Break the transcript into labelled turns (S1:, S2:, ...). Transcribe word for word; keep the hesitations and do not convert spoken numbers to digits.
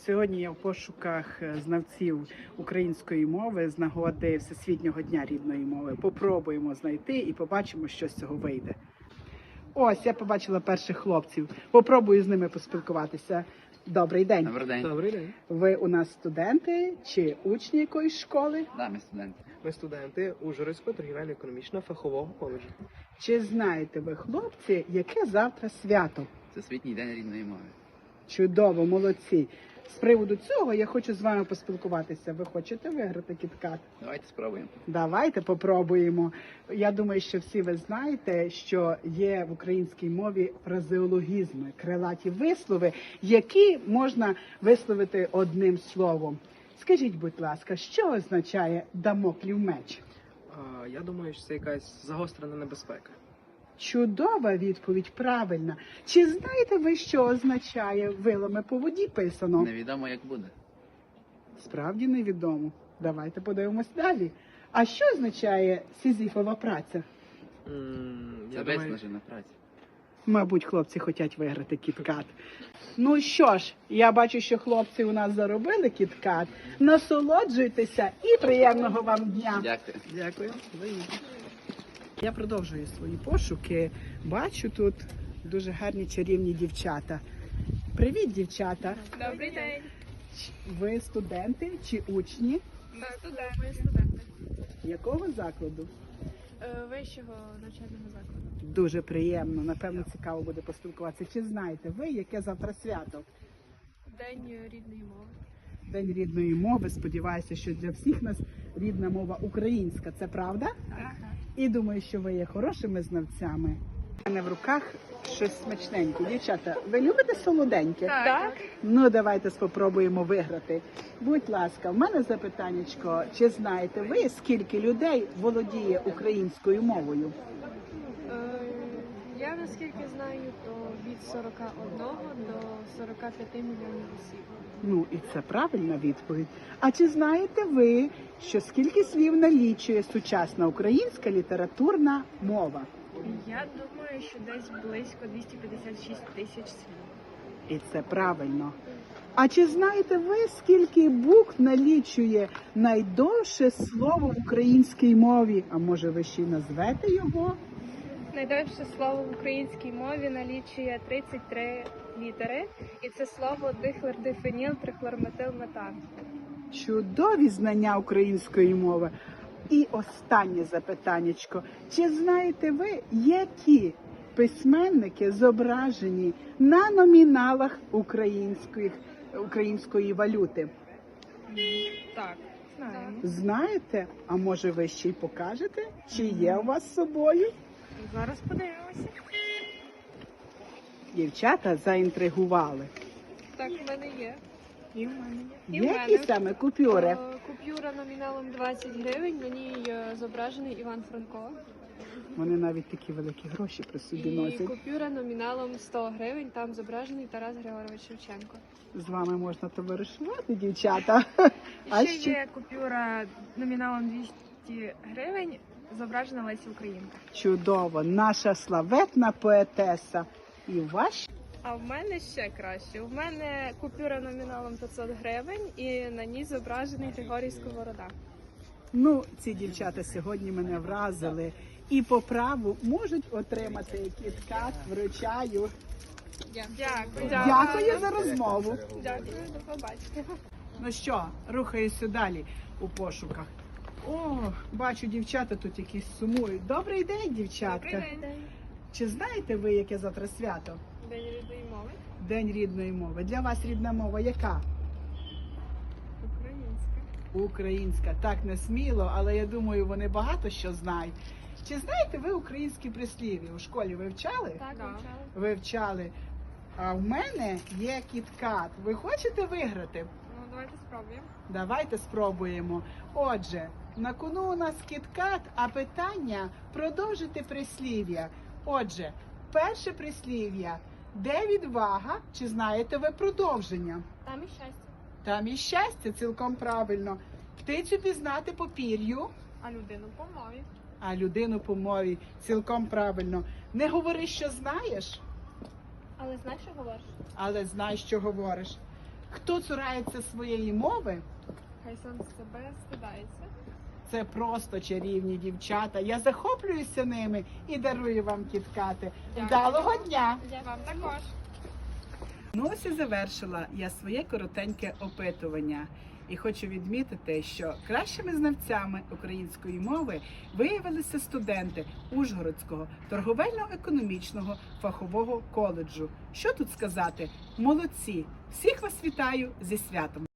S1: Сьогодні я в пошуках знавців української мови з нагоди Всесвітнього дня рідної мови. Попробуємо знайти і побачимо, що з цього вийде. Ось, я побачила перших хлопців. Попробую з ними поспілкуватися. Добрий день.
S2: Добрий день.
S3: Добрий день.
S1: Ви у нас студенти чи учні якоїсь школи?
S2: Да, ми студенти.
S3: Ми студенти Ужгородського торгівельно-економічного фахового коледжу.
S1: Чи знаєте ви, хлопці, яке завтра свято?
S2: Це світній день рідної мови.
S1: Чудово, молодці. З приводу цього я хочу з вами поспілкуватися. Ви хочете виграти кіткат?
S2: Давайте спробуємо.
S1: Давайте попробуємо. Я думаю, що всі ви знаєте, що є в українській мові фразеологізми, крилаті вислови, які можна висловити одним словом. Скажіть, будь ласка, що означає дамоклів меч?
S3: А, я думаю, що це якась загострена небезпека.
S1: Чудова відповідь, правильна. Чи знаєте ви, що означає вилами по воді писано?
S2: Невідомо, як буде.
S1: Справді невідомо. Давайте подивимось далі. А що означає сізіфова праця?
S3: М,
S2: Це
S3: я думаю,
S2: виснажена праця.
S1: Мабуть, хлопці хочуть виграти кіткат. Ну що ж, я бачу, що хлопці у нас заробили кіткат. Насолоджуйтеся і приємного вам дня.
S2: Дякую.
S1: Дякую. Я продовжую свої пошуки. Бачу тут дуже гарні чарівні дівчата. Привіт, дівчата.
S4: Добрий день.
S1: Ви студенти чи учні?
S4: Ми студенти. Ми студенти.
S1: Якого закладу?
S4: Е, Вищого навчального закладу.
S1: Дуже приємно. Напевно, цікаво буде поспілкуватися. Чи знаєте ви, яке завтра свято?
S4: День рідної мови.
S1: День рідної мови. Сподіваюся, що для всіх нас рідна мова українська. Це правда?
S4: Так.
S1: І думаю, що ви є хорошими знавцями. У мене в руках щось смачненьке. Дівчата, ви любите солоденьке?
S4: Так.
S1: Ну, давайте спробуємо виграти. Будь ласка, в мене запитаннячко. Чи знаєте ви, скільки людей володіє українською мовою?
S4: Е, Я наскільки знаю, то від сорока одного до сорока п'яти мільйонів осіб.
S1: Ну, і це правильна відповідь. А чи знаєте ви, що скільки слів налічує сучасна українська літературна мова?
S4: Я думаю, що десь близько двісті п'ятдесят шість тисяч слів.
S1: І це правильно. А чи знаєте ви, скільки букв налічує найдовше слово в українській мові? А може ви ще й назвете його?
S5: Найдовше слово в українській мові налічує тридцять три літери, і це слово дихлордифеніл трихлорметилметан.
S1: Чудові знання української мови. І останнє запитаннячко. Чи знаєте ви, які письменники зображені на номіналах української, української валюти?
S4: Так, знаємо.
S1: Знаєте? А може ви ще й покажете? Чи є у вас з собою?
S4: Зараз подивимося.
S1: Дівчата заінтригували.
S5: Так, в мене є.
S4: І в мене є.
S5: І в
S1: Які
S5: мене.
S1: саме купюри?
S5: Е, Купюра номіналом двадцять гривень, на ній е, зображений Іван Франко.
S1: Вони навіть такі великі гроші при собі
S5: І
S1: носять.
S5: купюра номіналом сто гривень, там зображений Тарас Григорович Шевченко.
S1: З вами можна товаришувати, дівчата. А
S4: І ще є купюра номіналом двісті гривень, зображена Леся Українка.
S1: Чудово, наша славетна поетеса. І ваш?
S5: А в мене ще краще. У мене купюра номіналом п'ятсот гривень, і на ній зображений Григорій Сковорода.
S1: Ну, ці дівчата сьогодні мене вразили. І по праву можуть отримати кіткат, вручаю.
S5: Дякую.
S1: Дякую за розмову.
S5: Дякую, до побачення.
S1: Ну що, рухаюся далі у пошуках. О, бачу, дівчата тут якісь сумують. Добрий день, дівчатка. Чи знаєте ви, яке завтра свято?
S5: День рідної мови.
S1: День рідної мови. Для вас рідна мова яка?
S5: Українська.
S1: Українська. Так не сміло, але я думаю, вони багато що знають. Чи знаєте ви українські прислів'я? У школі ви вчали?
S5: Так,
S4: Да.
S5: вивчала.
S1: Ви вчали. А в мене є кіткат. Ви хочете виграти?
S4: Ну, давайте спробуємо.
S1: Давайте спробуємо. Отже, на кону у нас кіткат, а питання продовжити прислів'я. Отже, перше прислів'я. Де відвага? Чи знаєте ви продовження?
S5: Там і щастя.
S1: Там і щастя, цілком правильно. Птицю пізнати по пір'ю,
S4: А людину по мові.
S1: а людину по мові. Цілком правильно. Не говори, що знаєш,
S5: Але знаєш, що говориш?
S1: але знай, що говориш. Хто цурається своєї мови,
S5: Хай сам себе стидається.
S1: це просто чарівні дівчата. Я захоплююся ними і дарую вам кіткати.
S5: Дякую.
S1: Вдалого дня!
S5: Вам також.
S1: Ну ось і завершила я своє коротеньке опитування. І хочу відмітити, що кращими знавцями української мови виявилися студенти Ужгородського торговельно-економічного фахового коледжу. Що тут сказати? Молодці! Всіх вас вітаю зі святом!